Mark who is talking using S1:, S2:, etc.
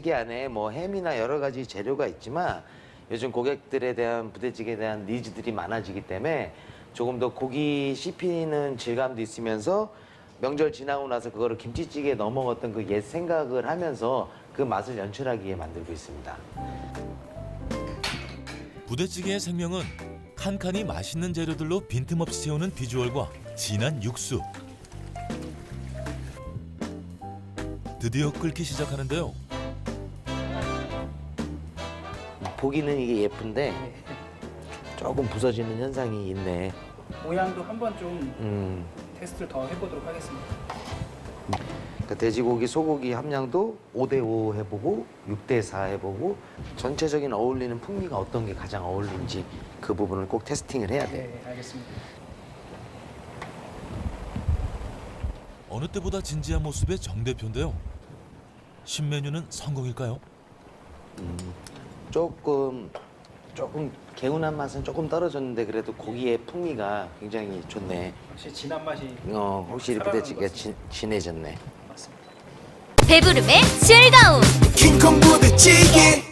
S1: 부대찌개 안에 뭐 햄이나 여러 가지 재료가 있지만 요즘 고객들에 대한 부대찌개에 대한 니즈들이 많아지기 때문에 조금 더 고기 씹히는 질감도 있으면서 명절 지나고 나서 그거를 김치찌개에 넣어 먹었던 그 옛 생각을 하면서 그 맛을 연출하기 위해 만들고 있습니다.
S2: 부대찌개의 생명은 칸칸이 맛있는 재료들로 빈틈없이 채우는 비주얼과 진한 육수. 드디어 끓기 시작하는데요.
S1: 보기는 이게 예쁜데 조금 부서지는 현상이 있네.
S3: 모양도 한번 좀 테스트를 더 해보도록 하겠습니다.
S1: 그러니까 돼지고기, 소고기 함량도 5대5 해보고 6대4 해보고 전체적인 어울리는 풍미가 어떤 게 가장 어울리는지 그 부분을 꼭 테스팅을 해야 돼.
S3: 네, 알겠습니다.
S2: 어느 때보다 진지한 모습의 정 대표인데요. 신메뉴는 성공일까요?
S1: 조금 개운한 맛은 조금 떨어졌는데 그래도 고기의 풍미가 굉장히 좋네.
S3: 확실히 진한 맛이
S1: 확실히 부대찌개가 진해졌네.
S3: 맞습니다.
S4: 배부름의 즐거움
S5: 킹콩 부대찌개